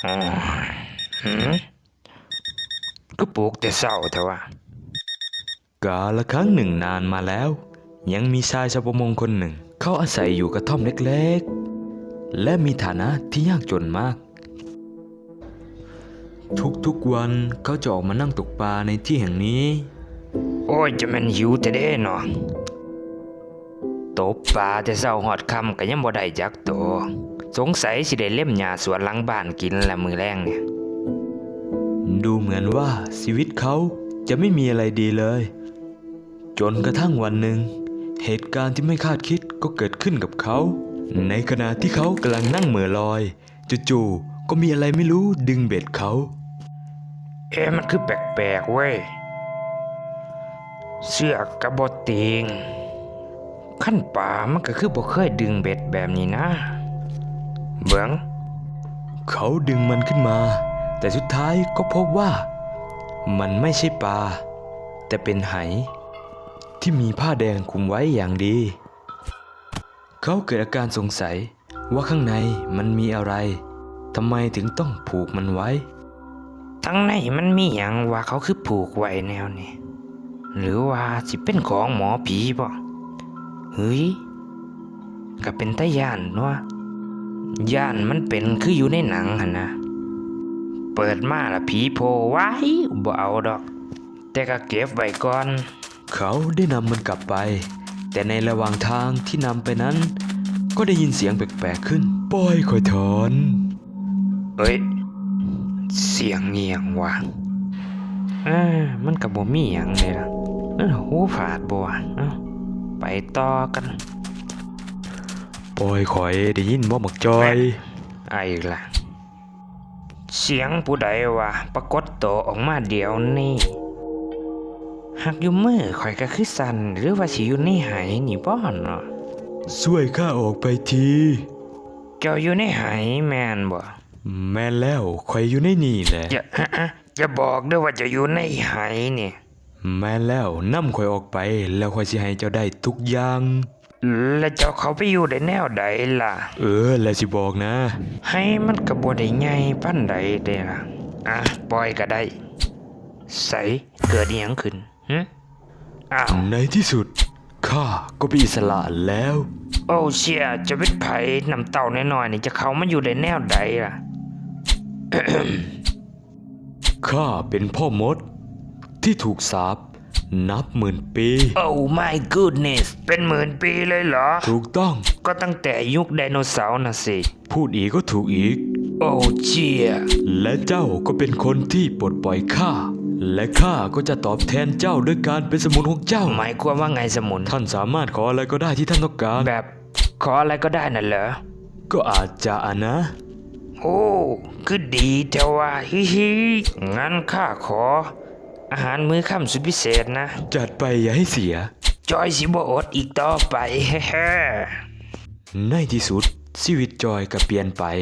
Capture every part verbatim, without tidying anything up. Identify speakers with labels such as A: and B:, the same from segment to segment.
A: อ๋อหืมก็ปลูกแต่เศร้าแต่ว่า
B: กาละครั้งหนึ่งนานมาแล้วยังมีชายชาวประมงคนหนึ่งเขาอาศัยอยู่กระท่อมเล็กๆและมีฐานะที่ยากจนมาก ทุกๆวันเขาจะออกมานั่งตกปลาในที่แห่งนี้
A: โอ้ยจะแมันหิวแต่เด้เนาะตบปลาแต่เศร้าหอดคำก็ยังบ่ได้จักโตวสงสัยสิได้เล่มหญ้าสวนหลังบ้านกินละมือแรงเนี่ย
B: ดูเหมือนว่าชีวิตเขาจะไม่มีอะไรดีเลย จนกระทั่งวันหนึ่งเหตุการณ์ที่ไม่คาดคิดก็เกิดขึ้นกับเขา ในขณะที่เขากำลังนั่งเหม่อลอยจู่ๆก็มีอะไรไม่รู้ดึงเบ็ดเขา
A: เอ๊ะมันคือแปลกๆเว้ยเสือกกระบติงขั้นป่ามันก็คือบ่เคยดึงเบ็ดแบบนี้นะ เบิ่ง
B: เขาดึงมันขึ้นมา แต่สุดท้ายก็พบว่า มันไม่ใช่ปลาแต่เป็นไหที่มีผ้าแดงคลุมไว้อย่างดี เขาเกิดอาการสงสัยว่าข้างในมันมีอะไรทำไมถึงต้องผูกมันไว้
A: ทั้งในมันมีหยังว่าเขาคือผูกไว้แนวนี้หรือว่าสิเป็นของหมอผีบ่เฮ้ยก็เป็นตาย่านเนาะย่านมันเป็นคืออยู่ในหนังหั่นนะเปิดมาละผีโผล่ไว้บ่เอาดอก แต่ก็เก็บไว้ก่อน
B: เขาได้นำมันกลับไป แต่ในระหว่างทางที่นำไปนั้น ก็ได้ยินเสียงแปลกๆขึ้นปล่อยคอยถอน
A: เอ้ยเสียงเงียงว่ะเออมันก็บ่มีหยังเลยล่ะเออหูฝาดบ่วะเอ้าไปต่อกัน
B: ปล่อยคอยได้ยินบ่หมักจอย
A: ไอ้ล่ะเสียงผู้ใดวะปรากฏตัวออกมาเดี๋ยวนี้หากอยู่มือข่อยก็คือสั่นหรือว่าสิอยู่ในไหนี่บ่เนาะ
B: ช่วยข้าออกไปที
A: เจ้าอยู่ในไหแม่นบ่
B: แม่นแล้วคอยอยู่ในนี่แหละ
A: อย่าอะอะอย่าบอกด้วยว่าจะอยู่ในไหนี่
B: แม่นแล้วนำคอยออกไปแล้วคอยสิให้เจ้าได้ทุกอย่าง
A: แล้วเจ้าเขาไปอยู่ได้แนวใดล่ะ
B: เออแล้วสิบอกนะ
A: ให้มันก็บ่ได้ใหญ่ปานใดเด้ล่ะอ่ะปล่อยก็ได้ใสเกิดอีหยังขึ้นหึอ้าว
B: ในที่สุดข้าก็เป็นอิสระแล้ว
A: โอ้เชี่ยจะเป็นไผน้ำเต่าน้อยๆนี่จะเข้ามาอยู่ในแนวใดล่ะ
B: ข้าเป็นพ่อมด ที่ถูกสาปนับหมื่นปี
A: โอ้ my goodness เป็นหมื่นปีเลยเหรอ
B: ถูกต้อง
A: ก็ตั้งแต่ยุคไดโนเสาร์น่ะสิ
B: พูดอีกก็ถูกอีก
A: โอ้เชี่ย
B: และเจ้าก็เป็นคนที่ปลดปล่อยข้า และข้าก็จะตอบแทนเจ้าด้วยการเป็นสมุนของเจ้า
A: หมายความว่าไงสมุน
B: ท่านสามารถขออะไรก็ได้ที่ท่านต้องการ
A: แบบขออะไรก็ได้น่ะเหรอ
B: ก็อาจจะอะนะ
A: โอ้คือดีแต่ว่าฮิฮิงั้นข้าขอ อาหารมื้อค่ำสุดพิเศษนะ
B: จัดไปอย่าให้เสีย
A: จอยสิบ่อดอีกต่อไป เฮ้
B: ในที่สุดชีวิตจอยก็เปลี่ยนไป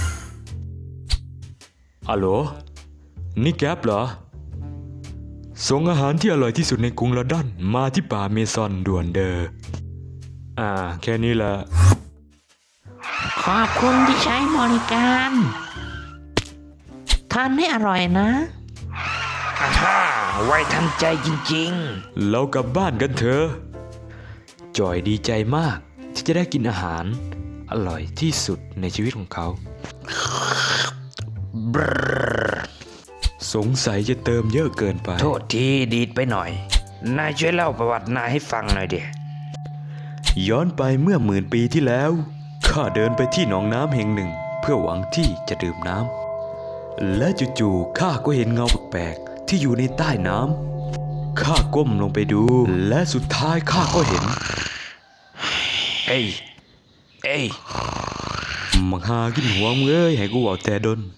B: อัลโหลนี่แก๊ปเหรอ ส่งอาหารที่อร่อยที่สุดในกรุงลอนดอนมาที่ป่าเมซอนด่วนเดออ่า แค่นี้แหละ
C: ขอบคุณที่ใช้บริการทานให้อร่อยนะ
A: อาฮ่าไวทันใจจริง
B: เรากลับบ้านกันเถอะ จอยดีใจมากที่จะได้กินอาหาร อร่อยที่สุดในชีวิตของเขา
A: ๆ บรร
B: สงสัยจะเติมเยอะเกินไป
A: โทษทีดีดไปหน่อย นายช่วยเล่าประวัตินายให้ฟังหน่อยเดีย
B: ย้อนไปเมื่อหมื่นปีที่แล้ว ข้าเดินไปที่หนองน้ำแห่งหนึ่ง เพื่อหวังที่จะดื่มน้ำ และจู่ๆข้าก็เห็นเงาแปลกๆที่อยู่ในใต้น้ำ ข้าก้มลงไปดู และสุดท้ายข้าก็เห็น
A: เอ้ย เอ้ย
B: มังหากินหัวมึงเอ้ยให้กูเอาแต่ดน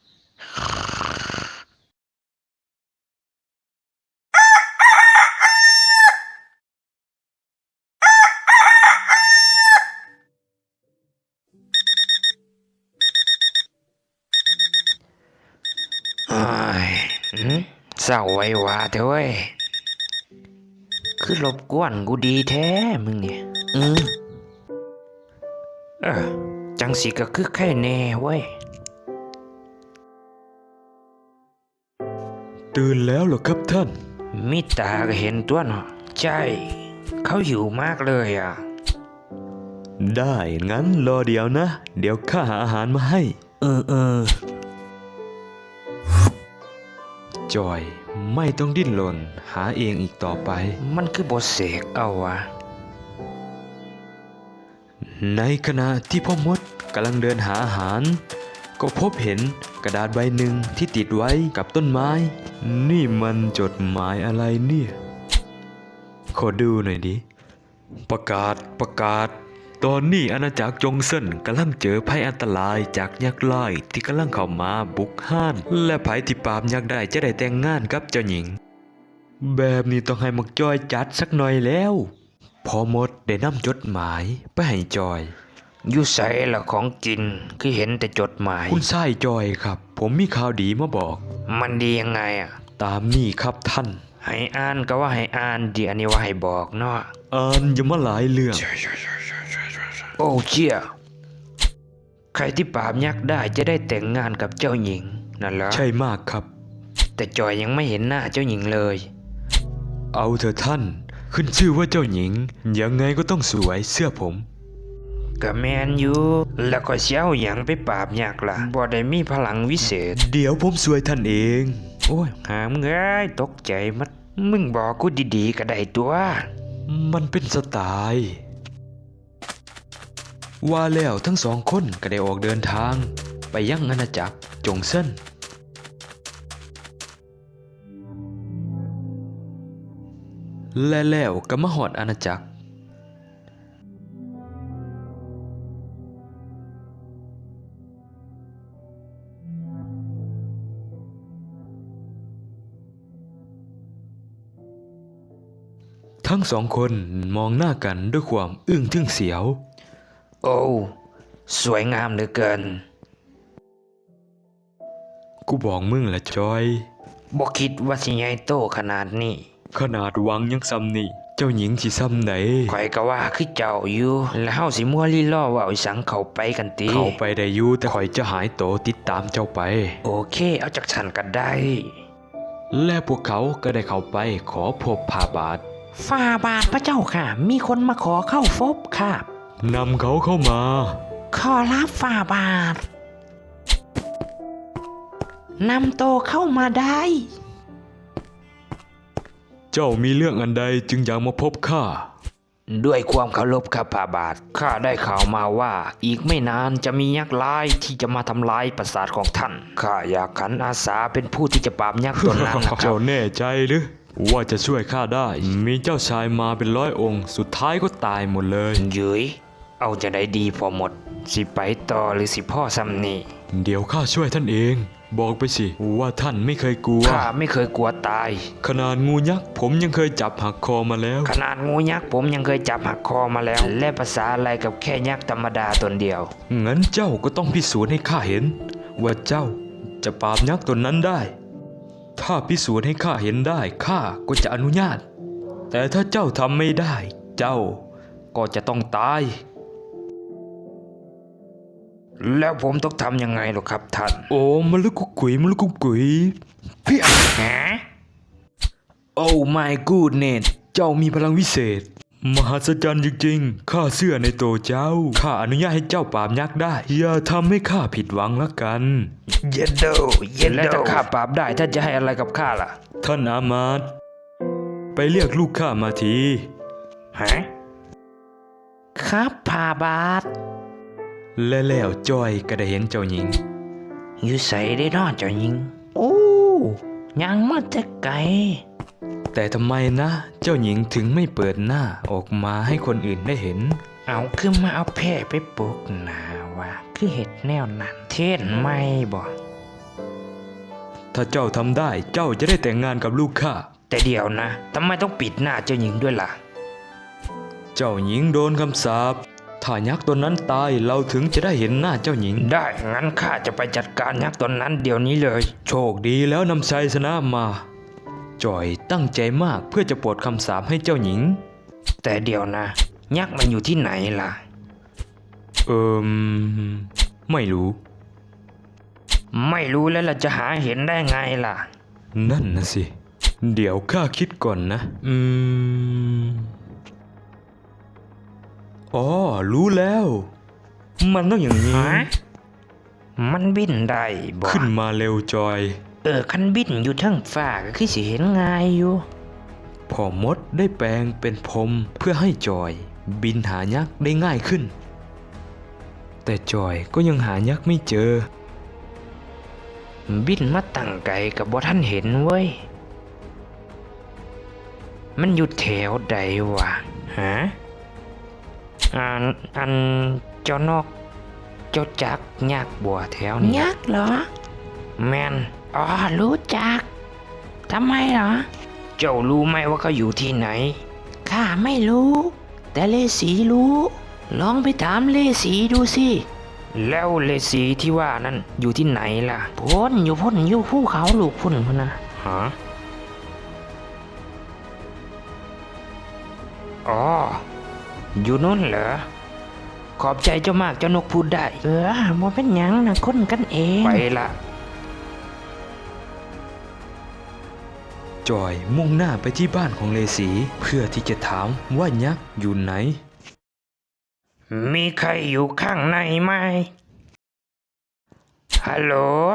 A: อ้ายหืมเศร้าไว้ว่าเถอะเว้ย คือรบกวนกูดีแท้มึงเนี่ยอืมเออจังสิก็คือแค่แน่เว้ย
B: ตื่นแล้วเหรอครับท่าน
A: มิตาก็เห็นตัวเนาะใช่เขาหิวมากเลยอ่ะ
B: ได้งั้นรอเดี๋ยวนะ เดี๋ยวข้าหาอาหารมาให้
A: เออเออ
B: จอยไม่ต้องดิ้นรนหาเองอีกต่อไป
A: มันคือบทเสกเอาวะ
B: ในขณะที่พ่อมดกำลังเดินหาอาหาร ก็พบเห็นกระดาษใบหนึ่งที่ติดไว้กับต้นไม้ นี่มันจดหมายอะไรเนี่ย ขอดูหน่อยดิ ประกาศประกาศ ตอนนี้อาณาจักรจงเซินกำลังเจอภัยอันตรายจากยักษ์ร้ายที่กำลังเข้ามาบุกห้าน และภัยที่ปราบยักษ์ได้จะได้แต่งงานกับเจ้าหญิง แบบนี้ต้องให้มักจอยจัดสักหน่อยแล้ว พอหมดได้นำจดหมายไปให้จอย
A: อยู่ใส่ละของกินคือเห็นแต่จดหมาย
B: คุณชายจอยครับ ผมมีข่าวดีมาบอก
A: มันดียังไงอ่ะ
B: ตามนี่ครับท่าน
A: ให้อ่านก็ว่าให้อ่านเดี๋ยวอันนี้ว่าให้บอกเนาะ
B: อ่านอยังมาหลายเรื่อง
A: โอ้เชี่ยใครที่ปราบยักษ์ได้จะได้แต่งงานกับเจ้าหญิงนั่นเหรอ
B: ใช่มากครับ
A: แต่จอยยังไม่เห็นหน้าเจ้าหญิงเลย
B: เอาเถอะท่าน ขึ้นชื่อว่าเจ้าหญิง ยังไงก็ต้องสวยเสื้อผม
A: ก็แมนอยู่แล้วก็เสียวอย่างไปปราบยักษ์ล่ะบ่ได้มีพลังวิเศษ
B: เดี๋ยวผมสวยท่านเอง
A: โอ้ยหามเงยตกใจมัดมึงบอกกูดีๆก็ได้ตัว
B: มันเป็นสไตล์ ว่าแล้วทั้งสองคนก็ได้ออกเดินทาง ไปยังอาณาจักรจงเซินและแล้วก็มาหอดอาณาจักร ทั้งสองคนมองหน้ากันด้วยความอึ้งทึ่งเสียว
A: โอ้สวยงามเหลือเกิน
B: กูบอกมึงละจอย
A: บ่คิดว่าสิใหญ่โตขนาดนี้
B: ขนาดวังยังซ้ำนี่ เจ้าหญิงสิซ้ำไหน
A: ข่อยก็ว่าคือเจ้าอยู่ แล้วเฮาสิมัวลี่ล่อเว่าอีสังเข้าไปกันติ
B: เข้าไปได้อยู่แต่ข่อยจะหายโตติดตามเจ้าไป
A: โอเคเอาจากฉันก็ได้
B: และพวกเขาก็ได้เข้าไปขอพบพาบาท
C: ฝ่าบาทพระเจ้าค่ะ มีคนมาขอเข้าฟบค่ะ
B: นำเขาเข้ามา
C: ขอรับฝ่าบาทนำโตเข้ามาได้
B: เจ้ามีเรื่องอันใดจึงอยากมาพบข้า
A: ด้วยความเคารพข้าพาบาทข้าได้ข่าวมาว่า อีกไม่นานจะมียักษ์ร้ายที่จะมาทำลายปราสาทของท่านข้าอยากขันอาสาเป็นผู้ที่จะปราบยักษ์ตนนั้นนะครั
B: เจ้า
A: บ
B: แน่ใจหรือว่าจะช่วยข้าได้ มีเจ้าชายมาเป็นร้อยองค์ สุดท้ายก็ตายหมดเลย
A: เย้ยเอาจะได้ดีพอหมด สิไปต่อหรือสิพ่อซ้ำนี่
B: เดี๋ยวข้าช่วยท่านเอง บอกไปสิว่าท่านไม่เคยกลัว
A: ข้าไม่เคยกลัวตาย
B: ขนาดงูยักษ์ผมยังเคยจับหักคอมาแล้ว
A: ขนาดงูยักษ์ผมยังเคยจับหักคอมาแล้ว และภาษาอะไรกับแค่ยักษ์ธรรมดาตนเดียว
B: งั้นเจ้าก็ต้องพิสูจน์ให้ข้าเห็น ว่าเจ้าจะปราบยักษ์ตนนั้นได้ ถ้าพิสูจน์ให้ข้าเห็นได้ข้าก็จะอนุญาต แต่ถ้าเจ้าทำไม่ได้ เจ้าก็จะต้องตาย
A: แล้วผมต้องทำยังไงหรอครับท่าน
B: โอ้มะลุกกุกกุยมะลุกกุกกุยเพี่ย
A: ฮะ
B: โอ้ my goodness เจ้ามีพลังวิเศษ มหัศจรรย์จริงๆ ข้าเชื่อในตัวเจ้า ข้าอนุญาตให้เจ้าปราบยักษ์ได้ อย่าทำให้ข้าผิดหวังละกัน
A: เย็นโดเย็นแล้วถ้าข้าปราบได้ท่านจะให้อะไรกับข้าล่ะ
B: ท่านอามาตย์ไปเรียกลูกข้ามาที
A: ฮะ
C: ครับฝ่าบาท
B: และแล้วจอยก็ได้เห็นเจ้าหญิง
A: อยู่ใส่ได้นอเจ้าหญิง
C: โอ้ยังมาแต่ไกล
B: แต่ทำไมนะ เจ้าหญิงถึงไม่เปิดหน้าออกมาให้คนอื่นได้เห็น
A: เอาคือมาเอาแพร่ไปปลูกหนาวะคือเห็ดแนวนั้น เทศไม่บ่
B: ถ้าเจ้าทำได้เจ้าจะได้แต่งงานกับลูกข้า
A: แต่เดี๋ยวนะทำไมต้องปิดหน้าเจ้าหญิงด้วยล่ะ
B: เจ้าหญิงโดนคำสาปถ้ายักษ์ตนนั้นตายเราถึงจะได้เห็นหน้าเจ้าหญิง
A: ได้งั้นข้าจะไปจัดการยักษ์ตนนั้นเดี๋ยวนี้เลย
B: โชคดีแล้วนำชัยชนะมา จอยตั้งใจมากเพื่อจะปลดคำสาปให้เจ้าหญิง
A: แต่เดี๋ยวนะ ยักษ์มันอยู่ที่ไหนล่ะ
B: เอิมไม่รู้
A: ไม่รู้แล้วเราจะหาเห็นได้ไงล่ะ
B: นั่นนะสิ เดี๋ยวข้าคิดก่อนนะ อืม อ๋อ รู้แล้ว มันต้องอย่างนี้
A: ฮะมันบินได้บ่
B: ขึ้นมาเร็วจอย
A: เออคันบินอยู่เทั้งฟ้าก็คือสิเห็นง่ายอยู่
B: พ่อมดได้แปลงเป็นพรมเพื่อให้จอยบินหายักษ์ได้ง่ายขึ้น แต่จอยก็ยังหายักษ์ไม่เจอ
A: บินมาตั้งไกลกับบ่ท่านเห็นเว้ย มันอยู่แถวใดวะฮะอันอันเจ้านกเจ้าจักยักษ์บัวแถวนี้
C: ยักษ์เหรอ
A: แมน
C: อ๋อ รู้จัก ทำไมเหรอ
A: เจ้ารู้ไหมว่าเขาอยู่ที่ไหน
C: ข้าไม่รู้ แต่เลสีรู้ ลองไปถามเลสีดูสิ
A: แล้วเลสีที่ว่านั้นอยู่ที่ไหนล่ะ
C: พ้นอยู่พ้นอยู่ภูเขาลูกพุ่นพุ่นนะ
A: ฮะอ๋อ อยู่นู้นเหรอ ขอบใจเจ้ามากเจ้านกพูดได้
C: เออบ่เป็นหยังนะคนกันเอง
A: ไปละ
B: จอยมุ่งหน้าไปที่บ้านของเลสีเพื่อที่จะถามว่ายักษ์อยู่ไหน
A: มีใครอยู่ข้างในไหม ฮัลโหล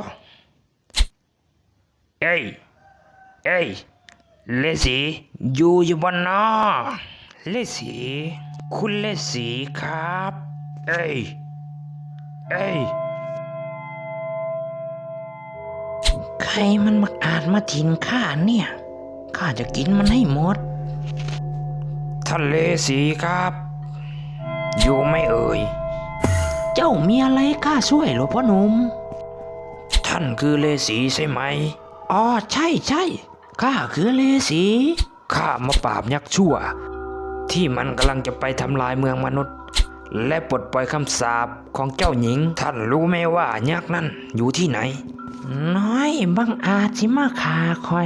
A: เอ้ย เอ้ย เลสีอยู่อยู่บนนอเลสี คุณเลสีครับ เอ้ย เอ้ย
C: ใครมันมาอาจมาทิ้งข้าเนี่ย ข้าจะกินมันให้หมด
A: ท่านเลสีครับ อยู่ไหม่เอ่ย
C: เจ้ามีอะไรข้าช่วยหรอพ่อหนุ่ม
A: ท่านคือเลสีใช่ไหม
C: อ๋อใช่ใช่ข้าคือเลสี
A: ข้ามาปราบยักษ์ชั่ว ที่มันกำลังจะไปทำลายเมืองมนุษย์ และปลดปล่อยคำสาปของเจ้าหญิง ท่านรู้ไหมว่ายักษ์นั้นอยู่ที่ไหน
C: น้อยบังอาจสิมาขาคอย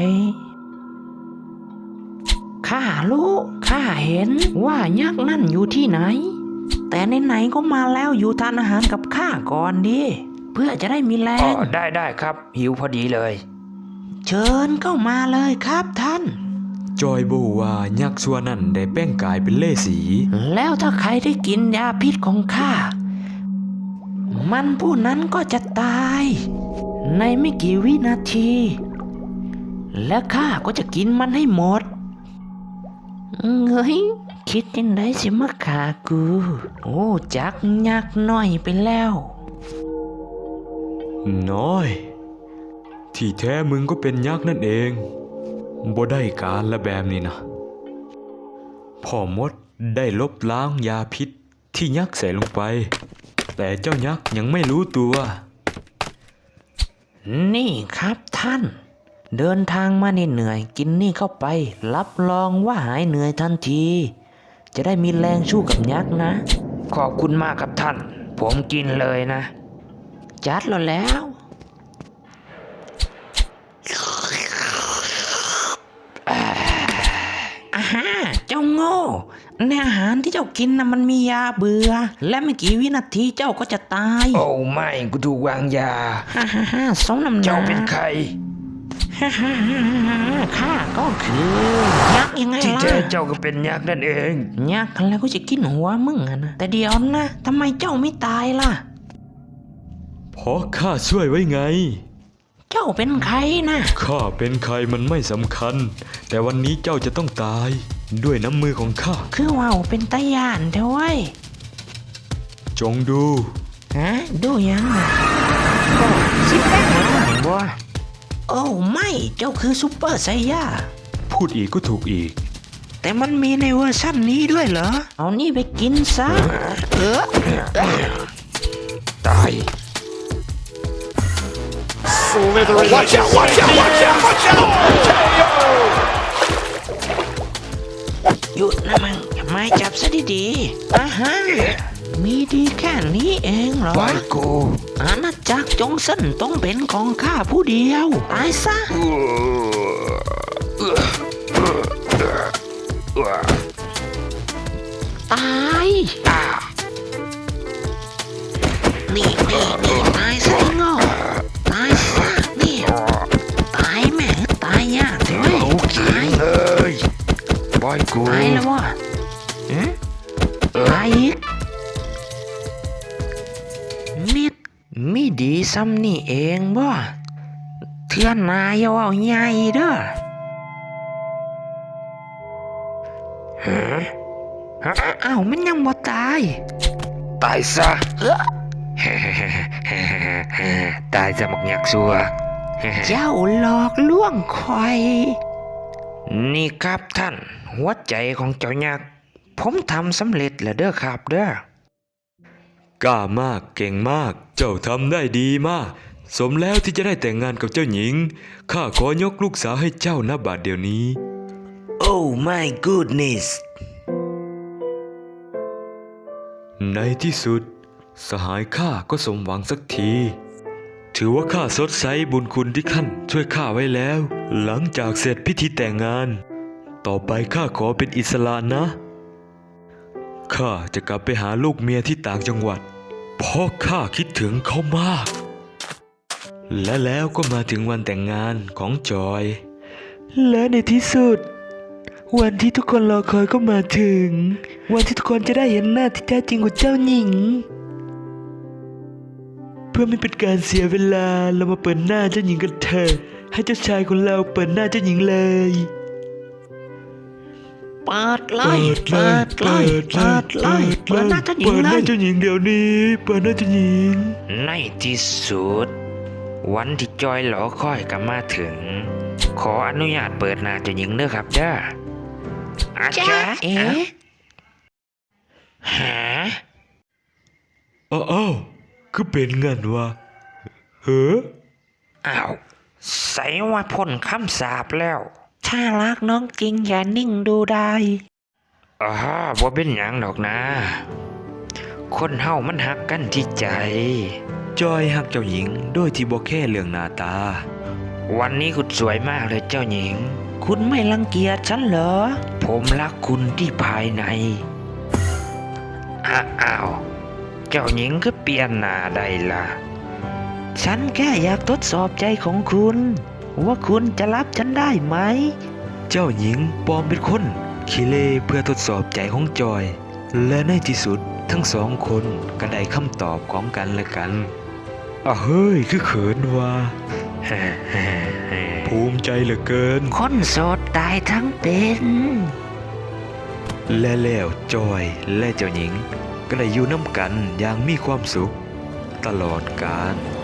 C: ข้ารู้ข้าเห็นว่ายักษ์นั่นอยู่ที่ไหน แต่ไหนๆก็มาแล้วอยู่ทานอาหารกับข้าก่อนดิ เพื่อจะได้มีแร
A: อ๋อง ได้ได้ครับ หิวพอดีเลย
C: เชิญเข้ามาเลยครับท่าน
B: จอยบอกว่ายักษ์ชัวนั่นได้แป้งกายเป็นเลสี
C: แล้วถ้าใครได้กินยาพิษของข้า มันผู้นั้นก็จะตาย ในไม่กี่วินาที และข้าก็จะกินมันให้หมดเฮ้ยคิดยังไงสิมาขากู โอ้จักยักษ์น้อยไปแล้ว
B: น้อย ที่แท้มึงก็เป็นยักษ์นั่นเองบ่ได้การละแบบนี้นะพ่อมดได้ลบล้างยาพิษที่ยักษ์ใส่ลงไป แต่เจ้ายักษ์ยังไม่รู้ตัว
C: นี่ครับท่าน เดินทางมาเหนื่อยๆกินนี่เข้าไป รับรองว่าหายเหนื่อยทันที จะได้มีแรงสู้กับยักษ์นะ
A: ขอบคุณมากครับท่าน ผมกินเลยนะ
C: จัดแล้วแล้ว อาฮาเจ้าโง่ในอาหารที่เจ้ากินนะมันมียาเบื่อ และไม่กี่วินาทีเจ้าก็จะตาย
A: โอ้ไม่กูถูกวางยา
C: ฮ่าฮ่าฮ่าสมน้ำหน้า
A: เจ้าเป็นใคร
C: ฮ่าฮ่าฮ่าฮ่าข้าก็คือยักษ์ยังไง
A: ที่
C: ล่ะ
A: แท้เจ้าก็เป็นยักษ์นั่นเอง
C: ยักษ์แล้วก็จะกินหัวมึงอะนะแต่เดี๋ยวนะทำไมเจ้าไม่ตายล่ะ
B: เพราะข้าช่วยไว้ไง
C: เจ้าเป็นใครนะ
B: ข้าเป็นใครมันไม่สำคัญ แต่วันนี้เจ้าจะต้องตายด้วยน้ำมือของข้า
C: คือว่าวเป็นตาย่านเด้อเว้ย
B: จงดู
C: ฮะดูยังไง
A: สิแป้งหลังบ่
C: โอ้ไม่เจ้าคือซูเปอร์ไซย่า
B: พูดอีกก็ถูกอีก
C: แต่มันมีในเวอร์ชั่นนี้ด้วยเหรอ เอานี่ไปกินซะ เออ
A: ตาย
D: Watch out, watch out, watch out, watch out!
C: หยุดนะมึงอย่าไม่จับซะดีๆอ่าฮะมีดีแค่นี้เองเหรอ
A: ไปกู
C: อาณาจักรจงเส้นต้องเป็นของข้าผู้เดียว ตายซะ ตาย นี่นี่นี่ตายซะไอ้โง่ตายซะนี่ ตายแม่งตาย
A: กู
C: ตายแล้ววะหืมตายอีกมิดมีดีซ้ำนี่เองบ่เทื่อนนายอย่าเอาใหญ่เด้อ
A: ฮะฮะ
C: อ้าวมันยังบ่ตาย
A: ตายซะ ตายจะหมกยักษ์ซัว
C: เจ้าหลอกลวงคอย
A: นี่ครับท่าน หัวใจของเจ้ายักษ์ผมทำสำเร็จแล้วเด้อครับเด้อ
B: กล้ามากเก่งมาก เจ้าทำได้ดีมาก สมแล้วที่จะได้แต่งงานกับเจ้าหญิง ข้าขอยกลูกสาวให้เจ้าณบัดเดี๋ยวนี้
A: Oh my goodness
B: ในที่สุด สหายข้าก็สมหวังสักที ถือว่าข้าสดใสบุญคุณที่ท่านช่วยข้าไว้แล้ว หลังจากเสร็จพิธีแต่งงาน ต่อไปข้าขอเป็นอิสระนะ ข้าจะกลับไปหาลูกเมียที่ต่างจังหวัด เพราะข้าคิดถึงเขามาก และแล้วก็มาถึงวันแต่งงานของจอย และในที่สุด วันที่ทุกคนรอคอยก็มาถึง วันที่ทุกคนจะได้เห็นหน้าที่แท้จริงของเจ้าหญิง เพื่อไม่เป็นการเสียเวลาเรามาเปิดหน้าเจ้าหญิงกันเถอะให้เจ้าชายของเราเปิดหน้าเจ้าหญิงเลย
C: เปิดเลยเปิดเลยเปิดเลยเปิดหน้าเจ้าหญิง
B: เปิดห
C: เล
B: น้าย เจ้าหญิงเดี๋ยวนี้ เปิดหน้าเจ้าหญิง
A: ในที่สุด วันที่จอยหลอคอยก็มาถึง ขออนุญาตเปิดหน้าเจ้าหญิงเด้อครับเด้ออา
C: จ้า
A: จารย์
C: เอ๋
A: หา
B: อ้าวอ้าวคือเป็นเงินวะเฮ้อ
A: อ้าวใส่ว่าพ่นคำสาปแล้ว
C: ถ้ารักน้องจริงอย่านิ่งดูได้
A: อ๋อบ่เป็นหยังดอกนะ คนเฮามันหักกันที่ใจ
B: จอยหักเจ้าหญิงโดยที่บ่แค่เรื่องหน้าตา
A: วันนี้คุณสวยมากเลยเจ้าหญิง
C: คุณไม่รังเกียจฉันเหรอ
A: ผมรักคุณที่ภายในอะอ้าว เจ้าหญิงก็เปลี่ยนหน้าได้ล่ะ
C: ฉันแค่อยากทดสอบใจของคุณ ว่าคุณจะรับฉันได้ไหม
B: เจ้าหญิงปลอมเป็นคนขี้เล่เพื่อทดสอบใจของจอย และในที่สุดทั้งสองคนก็ได้คำตอบของกันและกันอ่ะเฮ้ยคือเขินว่ะภูมิใจเหลือเกิน
C: คนโสดตายทั้งเป็น
B: และแล้วจอยและเจ้าหญิงก็ได้อยู่น้ำกันอย่างมีความสุขตลอดกาล